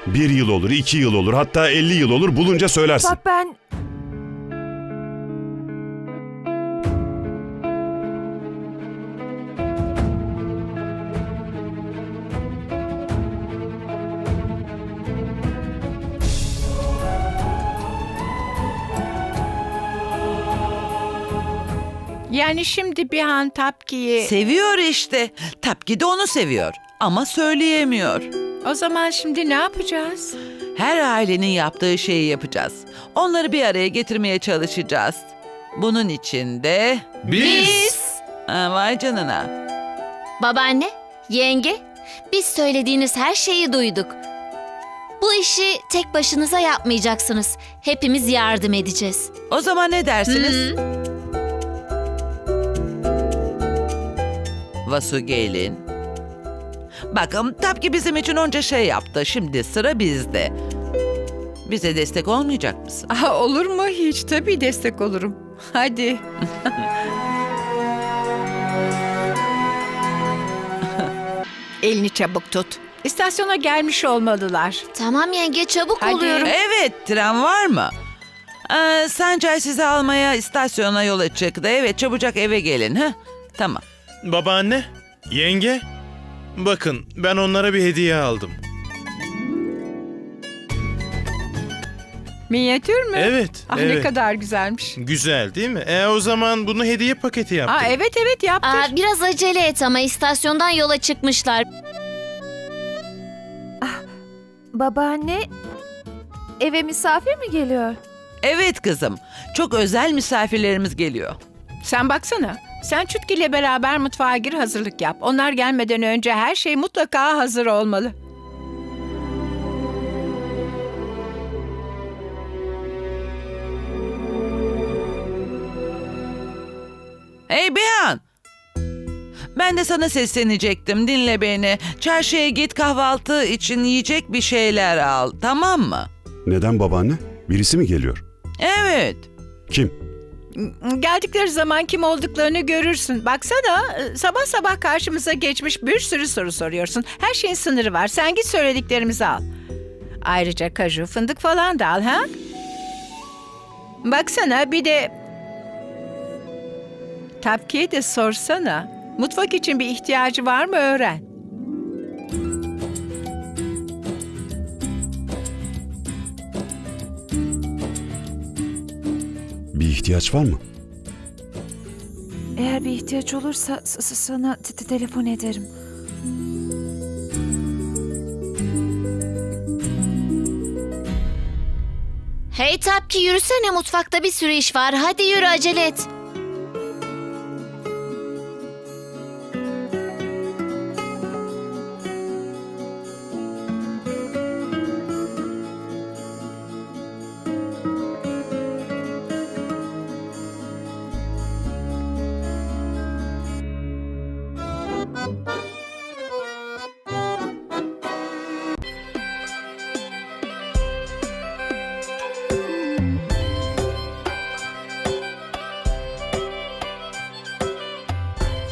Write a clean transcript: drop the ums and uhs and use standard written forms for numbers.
1 yıl olur, 2 yıl olur, hatta 50 yıl olur, bulunca söylersin. Bak ben... Yani şimdi bir an Tapki'yi... Seviyor işte. Tapki de onu seviyor ama söyleyemiyor. O zaman şimdi ne yapacağız? Her ailenin yaptığı şeyi yapacağız. Onları bir araya getirmeye çalışacağız. Bunun için de... Vay canına. Babaanne, yenge, biz söylediğiniz her şeyi duyduk. Bu işi tek başınıza yapmayacaksınız. Hepimiz yardım edeceğiz. O zaman ne dersiniz? Vasu gelin. Bakın Tapki bizim için onca şey yaptı. Şimdi sıra bizde. Bize destek olmayacak mısın? Aha, olur mu hiç? Tabii destek olurum. Hadi. Elini çabuk tut. İstasyona gelmiş olmalılar. Tamam yenge, çabuk Hadi. oluyorum. Evet, tren var mı? Sancay sizi almaya istasyona yola çıktı. Evet, çabucak eve gelin. Ha? Tamam. Babaanne, yenge, bakın ben onlara bir hediye aldım. Minyatür mü? Evet, Ah, ne evet. kadar güzelmiş. Güzel değil mi? O zaman bunu hediye paketi yaptım. Aa, evet yaptır. Biraz acele et ama istasyondan yola çıkmışlar. Babaanne, eve misafir mi geliyor? Evet kızım. Çok özel misafirlerimiz geliyor. Sen baksana. Sen Çutki ile beraber mutfağa gir, hazırlık yap. Onlar gelmeden önce her şey mutlaka hazır olmalı. Hey Bihan! Ben de sana seslenecektim. Dinle beni. Çarşıya git, kahvaltı için yiyecek bir şeyler al. Tamam mı? Neden babaanne? Birisi mi geliyor? Evet. Kim? Geldikleri zaman kim olduklarını görürsün. Baksana, sabah sabah karşımıza geçmiş bir sürü soru soruyorsun. Her şeyin sınırı var. Sen git söylediklerimizi al. Ayrıca kaju, fındık falan da al, ha? Baksana, bir de Tapki'ye de sorsana. Mutfak için bir ihtiyacı var mı öğren. Bir ihtiyaç var mı? Eğer bir ihtiyaç olursa sana telefon ederim. Hey Tapki, yürüsene, mutfakta bir sürü iş var. Hadi yürü, acele et.